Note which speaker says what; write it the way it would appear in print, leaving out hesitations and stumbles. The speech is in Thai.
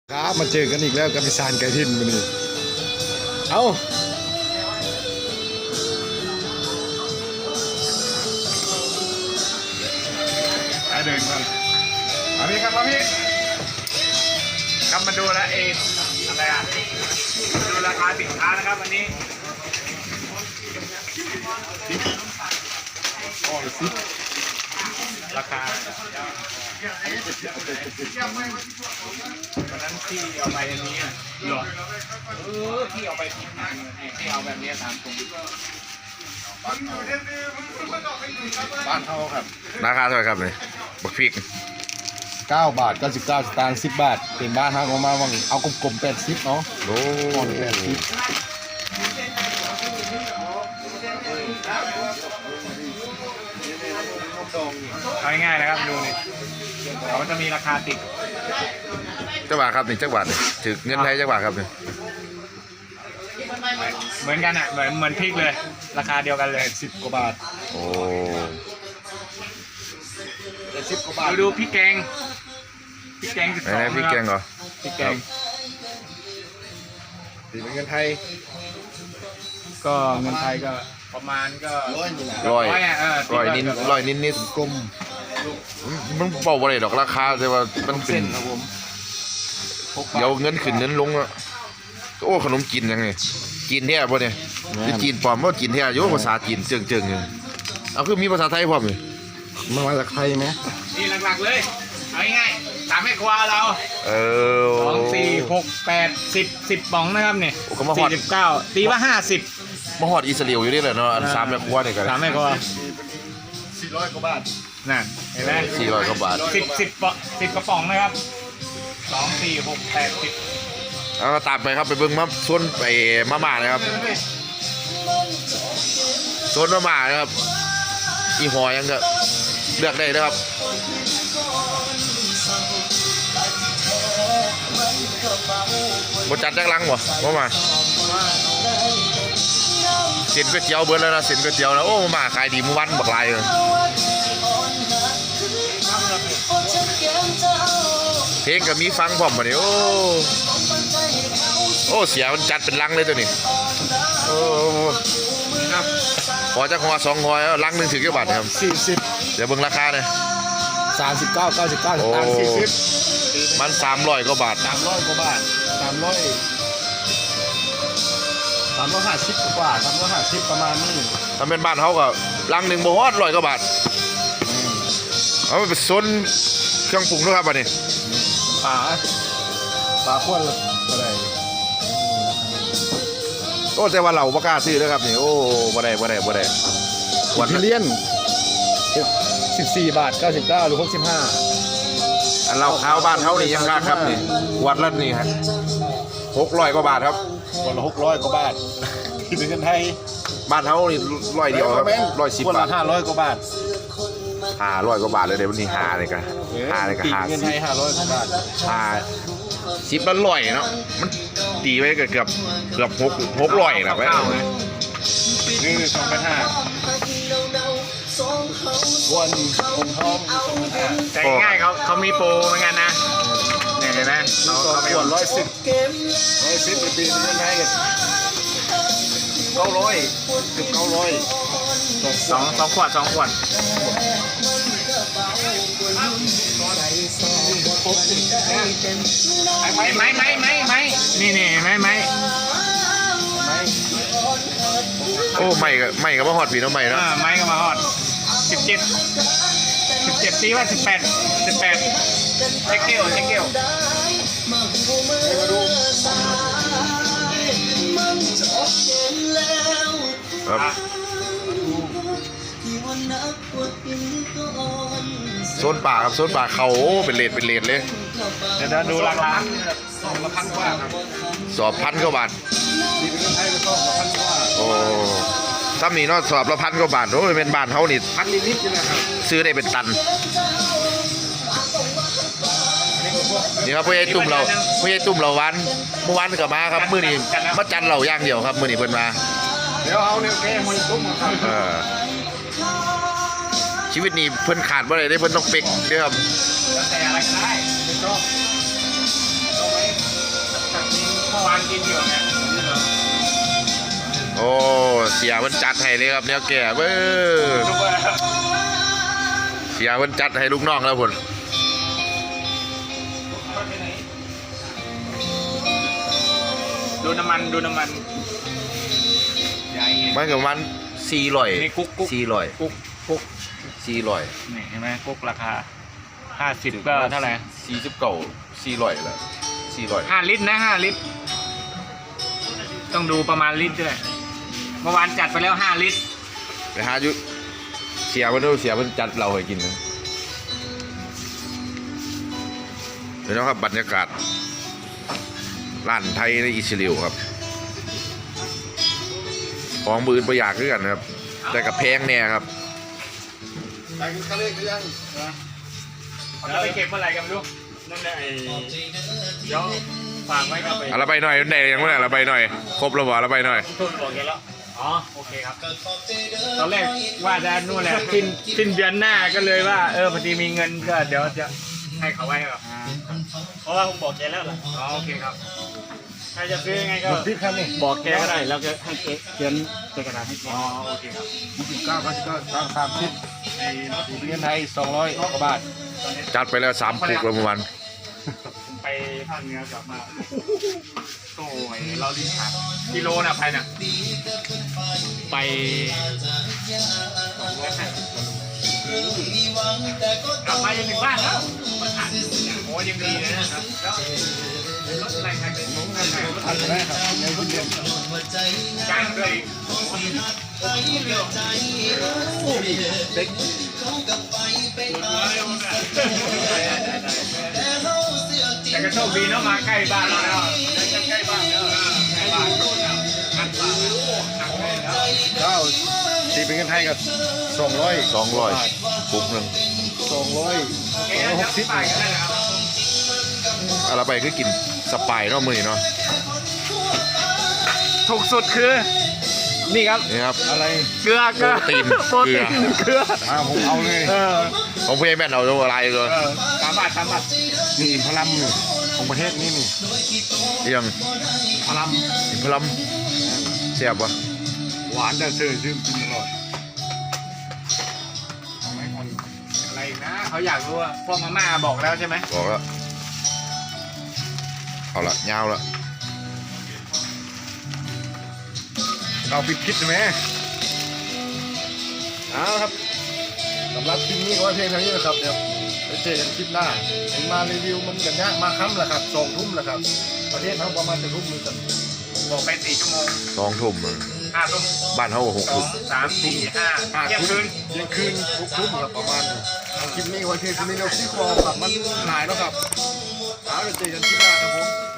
Speaker 1: ครับมาเจอกันอีกแล้วกับพิซานไก่ทินวันนี้เอาไปเดินกันมาพี่ครับมาพี่ครับมาดูแลเองอะไรอ่ะดูราคาสินค้านะครับวันนี้อ๋อสิราคาวันนั้นที่เอาไปอันนี้หรอที่เอาไปที่เอาแบบนี้ตามตรงบ้านเขาครับ
Speaker 2: ราคาเท่าไหร่ครับเนี่ยบักพริก
Speaker 1: 9 บาท 99 สตางค์10 บาทเป็นบ้านเขามาวังเอากลมๆ80เนาะ
Speaker 2: โอ้
Speaker 1: เอาง่ายๆนะครับดูนี่เขาจะมีราคาติด
Speaker 2: จักบาทครับนี่จักบาทถือเงินไทยจักบาทครับเนี่ย
Speaker 1: เหมือนกันอ่ะเหมือนพริกเลยราคาเดียวกันเลย10 กว่าบาท
Speaker 2: โอ้
Speaker 1: 10 กว่าบาทดูพริกแกง12
Speaker 2: ไหนพริกแกงเหรอ
Speaker 1: พริกแกงตีเป็นเงินไทยก็เงินไทยก็ประมาณก็
Speaker 2: ร้อยนิด
Speaker 1: กลม
Speaker 2: มันเบาอะไรดอกราคาแต่ว่ามันขึ้นเดี๋ยวเงินขึ้นเงินลงอ่ะโอ้ขนมจีนยังไงจีนแท้ป่ะเนี่ยจีนปลอมว่าจีนแท้โยภาษาจีนเจิงๆเลยเอาคือมีภาษาไทยพร้อมเลย
Speaker 1: มันมาจากไทยไหมนี่หลักๆเลยเอาง่ายๆตามให้ครัวเรา2 4 6 8 10ป๋องนะครับเนี่ย49ตีว่า50
Speaker 2: มาฮอดอิสราเอลอยู่นี่แหละเนาะอัน3แม่ครัวนี่กัน
Speaker 1: 3แม่ครัว400 กว่าบาทนั่นเห็นไหม
Speaker 2: 400 กว่าบาท
Speaker 1: 10 กระป๋องนะครับ2 4 6 8 10
Speaker 2: แล้วก็ตามไปครับไปเบิ่งมาส่วนไปมาม่านะครับส่วนมาม่านะครับอีหอยังก็เลือกได้นะครับบจัดจักลังบ่มาเส้นก๋วยเตี๋ยวเบิดแล้วนะเส้นก๋วยเตี๋ยวแล้วโอ้มาขายดีมื้อวันบักลายเลยเพลงก็มีฟังพร้อมบ่นี่โอ้เสียมันจัดเป็นลังเลยตัวนี้โอ้พอจะหัว2หัวลังนึงถึงกี่บาทครับ40เดี๋ยวเบิ่งราคาเลย
Speaker 1: 39 99 สตางค์40
Speaker 2: มัน300 กว่าบาท
Speaker 1: 300 กว่าบาท350 กว่า350ประมาณนี้
Speaker 2: ถ้าเป็นบ้านเขาก็ลังหนึ่งบ่ฮอด100 กว่าบาทเอาไปซนเครื่องปรุงด้วยครับบัดนี้
Speaker 1: ปลาขวดอะไร
Speaker 2: โอ้แต่ว่าเราบ่กล้าซื้อนะครับนี่โอ้บ่ได้
Speaker 1: วันเลียน14 บาท 99 หรือ 65
Speaker 2: อันเราข้าวบ้านเขานี่ยังค่าครับนี่วัดละนี่ฮะ600 กว่าบาทครับ
Speaker 1: วันละ600 กว่าบาทที่เป็นเงินไทย
Speaker 2: บ้านเขานี่100 เดียวครับ110 บาท
Speaker 1: 500 กว่าบาท
Speaker 2: 500 กว่าบาทเลยเดี๋ยววันนี้5เลยกัน5เลยกัน
Speaker 1: เงินไทย500 กว่าบาท
Speaker 2: 10ละ100เนาะมันตีไว้เกือบ600นะไป
Speaker 1: นี่2,500วันผมท้อง2,500แต่ง่ายเขามีโปรเหมือนกันนะเนี่ยเห็นไหมเขาไม่110ปีเงินไทยกัน900 เกือบ900 2 ขวดไม่นี่ไหม
Speaker 2: โอ้ไม่ก็มาฮอดพี่น้องไม่เนาะ
Speaker 1: ไม่ก็มาฮอด17ตีว่า18เช็คเกล
Speaker 2: ครับโซนป่าครับโซนป่าเขาเป็นเลทเลย
Speaker 1: เดี๋ยวดูราคา2,000 กว่าครับ
Speaker 2: สอบ1,000 กว่าบาทโอ้ถ้ามีนอสอบละ1,000 กว่าบาทโอ้ยเป็นบ้านเขานี่
Speaker 1: 1,000 นิดๆนะครับ
Speaker 2: ซื้อได้เป็นตันนี่ครับพ่อใหญ่ตุ่มเราวันเมื่อวานก็มาครับมื้อนี้มาจันเราย่างเดียวครับมื้อนี้เพิ่นมา
Speaker 1: เดี๋ยวเอาเนี่ยแกมันตุ้มครับ
Speaker 2: ชีวิตนี้เพิ่นขาดบ่ได้เพิ่นต้องเป๊กเด้อครับ
Speaker 1: แล้วแต่อะไรก็ได้ไม่ชอบเมื่อวานกินอยู่ไง
Speaker 2: โอ้เสียมันจัดให้เลยครับเนี่ยแก่เบ้อ
Speaker 1: ซุปเปอร์
Speaker 2: เสียมันจัดให้ลูกน้องแล้วพุ่น
Speaker 1: ดูน้ำมันใหญ่
Speaker 2: มันกับมัน400
Speaker 1: นี่กุ๊ก
Speaker 2: 400
Speaker 1: กุ๊ก
Speaker 2: 400
Speaker 1: นี่เห็นไหมกุ๊กราคา50ก็เท่าไหร่
Speaker 2: 400เลย400
Speaker 1: 5 ลิตรนะ5 ลิตร ต้องดูประมาณลิตรด้วยเมื่อวานจัดไปแล้ว5 ลิตร
Speaker 2: ไปหาอยู่เสียมันดูเสียมันจัดเราให้กินนะเดี๋ยวนะครับบรรยากาศร้านไทยในอิสราเอลครับของมืออื่นประหยัดขึ้นกันนะครับแต่กับแพงแน่ครับ
Speaker 3: ไปกินข้าวเล็กหรือยัง
Speaker 1: แล้วไปเก็บเมื่อไหร่กันไม่รู้นั่นแหละเดี๋ยวฝากไว้กับไป
Speaker 2: เอาละไปหน่อยไหนยังไม่ได้ละไปหน่อยครบแล้วบ่ละไปหน่อย
Speaker 1: ทุนบอกแกแล้วอ๋อโอเคครับตอนแรกว่าจะนู่นแหละสิ้นเดือนหน้าก็เลยว่าพอดีมีเงินก็เดี๋ยวจะให้เขาไว้แบบเพราะว่าผมบอกแกแล้วล่ะอ๋อโอเคครับใครจะซื้อยังไงก็
Speaker 3: พี่ครับนี่
Speaker 1: บอกแกก็ได้แล้วก็ให้แกเขียนกระดาษให้แกอ๋อโอเคครับ
Speaker 3: 29 30ไอ้เงินไทย200กว่าบาท
Speaker 2: จัดไปแล้ว3ปุกแล้วเมื่อวาน
Speaker 1: ไปภาคเหนือกลับมาโอ้ยเราลิ้นขาดกิโลน่ะไปน่ะไปกลับมายังถึงบ้านแล้วมาผ่านโอ้ยังดีเลยนะครับแล้วรถอะไรใครเป็นมุ้งกันไหน
Speaker 3: ทันได้ครับในคนเดียว
Speaker 1: จ้างด้วยเด็กแต่ก็โชคดีเนาะมาใกล้บ้านเราแล้วใกล้บ้านแล้วใกล้บ้านนัดบ้านหนักเลยแล้ว
Speaker 3: เก้าตีเป็นเงินไทยกับ200
Speaker 2: 200ปุกหนึ่ง
Speaker 3: 260
Speaker 1: ไปกันได้แล้ว
Speaker 2: เอาละไปคือกินสปายเนาะมือนี้เนาะ
Speaker 1: ถูกสุดคือ นี่ครับ
Speaker 2: นี่ครับ
Speaker 3: อะไร
Speaker 1: เกลือ
Speaker 2: โปรตีน
Speaker 1: โปรตีนเกลือ
Speaker 3: ผมเอาเลย
Speaker 2: ของพี่แม่นเอาอะไรเลย
Speaker 1: 3 บาท3 บาท
Speaker 3: นี่อินพลัมนี่ของประเทศนี้นี่
Speaker 2: ยัง
Speaker 3: พลัม
Speaker 2: พลัมเสียบวะ
Speaker 3: หวานแต่ซื่อกินตลอด
Speaker 1: อะไรอีกนะเขาอยากรู้ว่าพวกมาม่าบอกแล้วใช่ไหม
Speaker 2: บอกแล้วเอาละยาวละ
Speaker 3: เอาปิดคลิปใช่ไหมเอาครับสำหรับคลิปนี้ก็ว่าเพียงเท่านี้นะครับเดี๋ยวไปเจอกันคลิปหน้าผมมารีวิวมันกันยากมาค่ำแหละครับ2 ทุ่มแหละครับประเทศเขาประมาณจะทุ่มนึงกัน
Speaker 1: บอกไป4 ชั่วโมง
Speaker 2: 2 ทุ่ม
Speaker 1: 5 ทุ่ม
Speaker 2: บ้านเขา6 ทุ่ม
Speaker 1: 2 3 4 5เที่ยงคืน
Speaker 3: เที่ยงคืน6 ทุ่มครับประมาณนี้เอาคลิปนี้ไว้เพียงเท่านี้เราซี่คอครับมันหลายแล้วครับเอาเดี๋ยวเจอกันคลิปหน้าครับผม